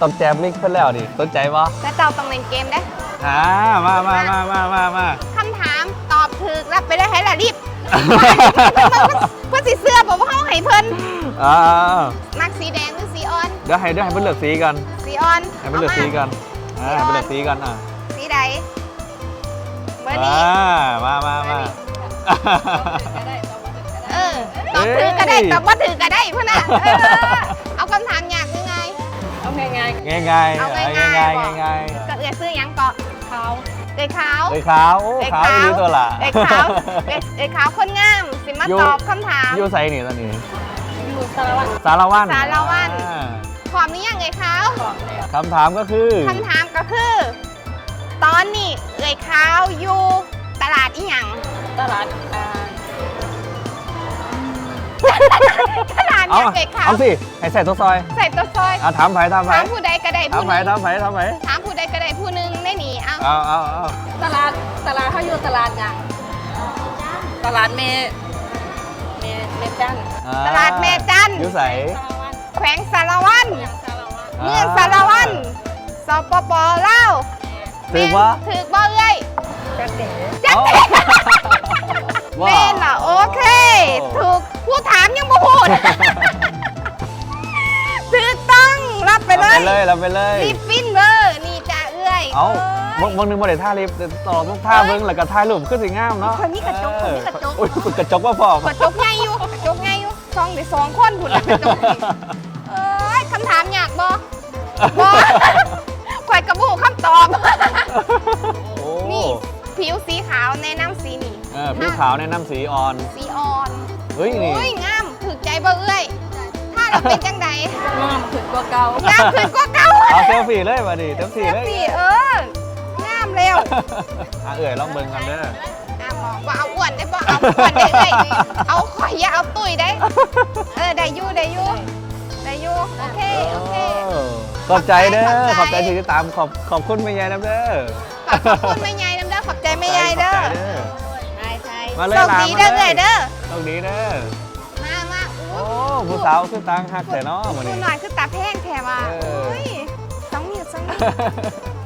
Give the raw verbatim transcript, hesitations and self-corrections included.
ต้องแจมลิงก์เพื่อนแล้วดิสนใจปะแต่เจ้าต้องเล่นเกมได้อ่ามามามามามามาคำถามตอบถูกรับไปได้ให้ละรีบเพื่อสีเสื้อบอกว่าเขาให้เพิ่นอ่ามักสีแดงหรือสีอ่อนเดี๋ยวให้เดี๋ยวให้เพื่อนเลือกสีกันสีอ่อนให้เพื่อนเลือกสีกันอ่าให้เพื่อนเลือกสีกันอ่ะสีใดเบอร์นี้อ่ามามามาเออตอบถือก็ได้ตอบว่าถือก็ได้เพื่อนน่ะเออเอาคำถามยากยังไงเอาง่ายง่ายง่ายเอาง่ายๆง่ายง่ายง่ายง่ายก็เอือซื้อหยังเกาะๆเขาเอ้ยขาวเลยขาวโอ้ขาวดีตัวละเอ้ยขาวเอ้ยเอ้ยขาวคนงามสิมาตอบคำถามยูไซนี่ตอนนี้อยู่สารวัตรสารวันสารวัตรอ่าพร้อมหรือยังเอ้ยขาวบอกเลยคำถามก็คือคำถามก็คือ ตอนนี้เอ้ยขาวอยู่ตลาดอีหยังตลาดอ่าตลาดเอาเนี่ยเอ้ยขาวเอาสิให้ใส่ตัวซอยใส่ตัวซอยอ่ะถามไผ่ถามไผ่ถามผู้ใดก็ได้ถามผู้หไผ่นึงถามไผ่ถามไผ่ถามผู้ใดก็ได้ผู้หนึงได้หนีเอาเอาเอาเอาตลาดตลาดเขาอยู่ตลาดหยังตลาดเมเมเมจันอ่ตลาดแม่จันทร์ยูใสสารวัตรแขวงสารวันยังสารวัตรเมืองสารวันสปปลาวถือวะถือบ่เอ้ยจักเด๋จักเอาเต้เม่นล่ะโอเค ถูกผู้ถามยังบ่พูดถูกต้องรับไปเลไปยเลยเราไปเลยรีบฟินเวอร์นี่จ้าเอ้ยเอาบางบางหนึงบ่ได้ท่าลิฟต์ต่อต้องท่าเบิ้งแล้วก็ท่ายรูปขึ้นสิงามเนาะคนนี้กระจกคนนี้กระจกโอ้ยกระจกว่าพอกระจกใหญ่อยู่กระจกใหญ่อยู่ซองได้สองคนพุ่นละกระจกนี่เอ้ยคำถามยากบ่บ่ข่อยกระบูคำตอบโอ้นี่ผิวสีขาวแนะนำสีนี่เออผิวขาวแนะนำสีอ่อนสีอ่อนเฮ้ยนี่โอ้ยงามถึกใจบ่เอ้ยถ้าเราเป็นจังใดงามขึ้นกว่าเก่างามขึ้นกว่าเก่าเอาเซลฟี่เลยมาดิเซลฟี่เลยสีเอองามเร็วอ่ะเอ่ยลองเบิ้งกันเด้ออ่ะหมองว่าเอาอ้วนได้บ่เอาอ้วนได้เอ้ยเอาข่อยอย่าเอาตุ้ยได้ เออได้อยู่ได้อยู่ได้อยู่โอเคโอเคขอบใจเด้อขขออบบ ใจใจที่ติดตามขอบขอบคุณแม่ยายนะเด้อขอบคุณแม่ยายน้ำเด้อขอบใจแม่ยายเด้อขอบใจเด้อใช่ใช่มาเลยโชคดีเด้อมาเลยเอ้ยเด้อโชคดีเด้อมามาอู้โอ้ผู้สาวคือตังหักแต่เนาะพูวันดนี้หน่อยคือตาแพงแถว่ะเออโอ้ยสองนิ้วสองนิ้ว